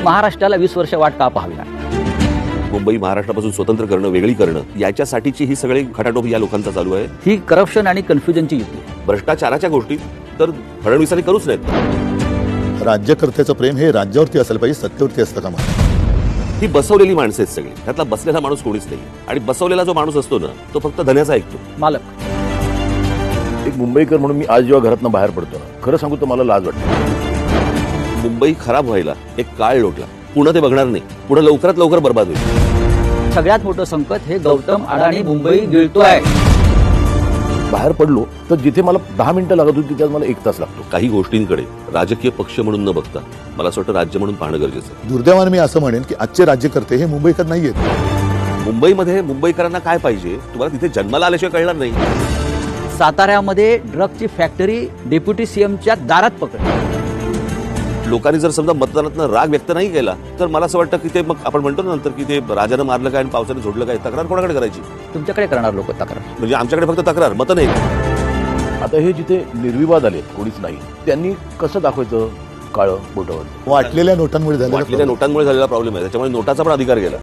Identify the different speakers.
Speaker 1: महाराष्ट्राला 20 वर्ष वाट का पाहावी लागली?
Speaker 2: मुंबई महाराष्ट्रापासून स्वतंत्र करणं, वेगळी करणं, याच्यासाठीची ही सगळी खटाटोप या लोकांचा चालू आहे.
Speaker 1: ही करप्शन आणि कन्फ्युजनची युती आहे.
Speaker 2: भ्रष्टाचाराच्या गोष्टी तर फडणवीसांनी करूच नाहीत.
Speaker 3: राज्यकर्त्याचं प्रेम हे राज्यावरती असलं पाहिजे, सत्तेवरती असतं कामा नये.
Speaker 2: ही बसवलेली माणसं आहेत सगळी. त्यातला बसलेला माणूस कोणीच नाही. आणि बसवलेला जो माणूस असतो ना, तो फक्त धन्याचा ऐकतो.
Speaker 1: मालक
Speaker 4: एक मुंबईकर म्हणून मी आज जेव्हा घरातनं बाहेर पडतो ना, खरं सांगू तर मला लाज वाटते.
Speaker 2: मुंबई खराब व्हायला एक काळ लोटला. पुढे ते बघणार नाही. पुढे लवकरात लवकर बर्बाद होईल.
Speaker 1: सगळ्यात मोठं संकट हे गौतम अडाणी मुंबई गिळतोय.
Speaker 4: बाहेर पडलो तर जिथे मला 10 मिनिटं लागत होती तिथे मला 1 तास लागतो.
Speaker 2: काही गोष्टींकडे राजकीय पक्ष म्हणून न बघता मला असं वाटतं राज्य म्हणून पाहणं गरजेचं आहे.
Speaker 3: दुर्दैवाने मी असं म्हणेन की आजचे राज्यकर्ते हे मुंबईकर नाहीयेत.
Speaker 2: मुंबईमध्ये मुंबईकरांना काय पाहिजे तुम्हाला तिथे जन्माला आल्याशिवाय कळणार नाही.
Speaker 1: साताऱ्यामध्ये ड्रगची फॅक्टरी डेप्युटी सीएमच्या दारात पकडली.
Speaker 2: लोकांनी जर समजा मतदानातनं राग व्यक्त नाही केला तर मला असं वाटतं की ते मग आपण म्हणतो ना नंतर की ते राजानं मारलं काय आणि पावसाने झोडलं काय, तक्रार कोणाकडे करायची?
Speaker 1: तुमच्याकडे करणार लोक तक्रार.
Speaker 2: म्हणजे आमच्याकडे फक्त तक्रार, मतं नाही.
Speaker 4: आता हे जिथे निर्विवाद आले कोणीच नाही, त्यांनी कसं दाखवायचं काळं बोटावर?
Speaker 3: वाटलेल्या नोटांमुळे झालेला
Speaker 2: वाटलेल्या नोटांमुळे झालेला प्रॉब्लेम आहे. त्याच्यामुळे नोटाचा पण अधिकार गेला.